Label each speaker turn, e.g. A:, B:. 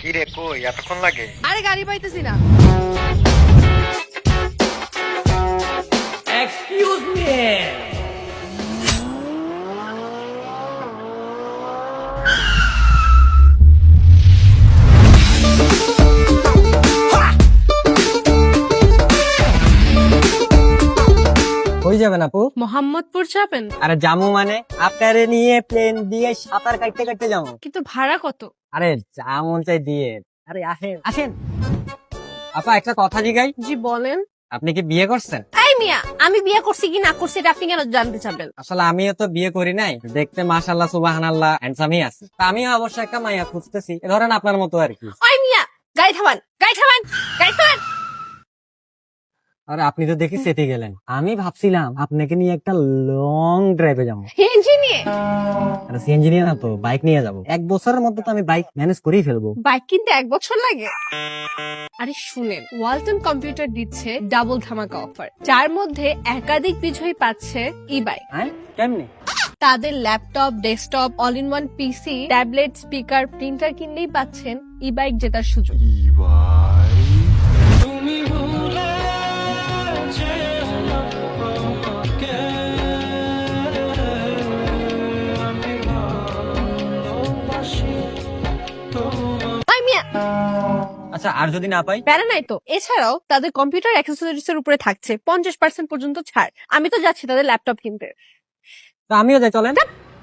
A: কি রে কই এতক্ষণ লাগে?
B: আরে গাড়ি পাইতেছি না।
C: Excuse me.
D: কই যাবেন আপু?
B: মোহাম্মদপুর যাবেন?
D: আরে জামু মানে আপনারে নিয়ে প্লেন দিয়ে সাঁতার কাটতে কাটতে যাবো।
B: কিন্তু ভাড়া কত?
D: আরে যা মন চাই দিয়ে। আরে আসেন আসেন। আপা একটা কথা জিগাই,
B: জি বলেন।
D: আপনি কি বিয়ে করছেন?
B: এই মিয়া, আমি বিয়ে করছি কি না করছি এটা আপনি কেন জানতে চাবেন?
D: আসলে আমিও তো বিয়ে করি নাই, দেখতে মাশাআল্লাহ সুবহানাল্লাহ হ্যান্ডসামই আছে। তা আমিও অবশ্য একটা মাইয়া খুঁজতেছি, ধরেন আপনার মতো আর কি।
B: ওই মিয়া, গাড়ি থামান, গাড়ি থামান, গাড়ি থামান।
D: আরে আপনি তো দেখি সেটে গেলেন, আমি ভাবছিলাম আপনাকে নিয়ে একটা লং ড্রাইভে যাবো।
B: ইঞ্জিনিয়ার
D: আরে সিএনজি নিয়ে না তো, বাইক নিয়ে যাবো। 1 বছরের মধ্যে তো আমি বাইক ম্যানেজ করেই ফেলবো।
B: বাইক কিনতে 1 বছর লাগে? আরে শুনেন, ওয়ালটন কম্পিউটার দিচ্ছে ডাবল ধামাকা অফার, যার মধ্যে একাধিক বিজয়ী পাচ্ছে ই বাইক।
D: হ্যাঁ কেমনি?
B: তাদের laptop, desktop, all in one PC, tablet, speaker, printer কিনলেই পাচ্ছেন ই বাইক জেতার সুযোগ। ওই মিয়া,
D: আচ্ছা আর যদি না পাই?
B: প্যারা নাই তো। এছাড়াও তাদের কম্পিউটার অ্যাক্সেসরিজ এর উপরে থাকছে 50% পর্যন্ত ছাড়। আমি তো যাচ্ছি তাদের ল্যাপটপ কিনতে।
D: তো আমিও যাই, চলেন।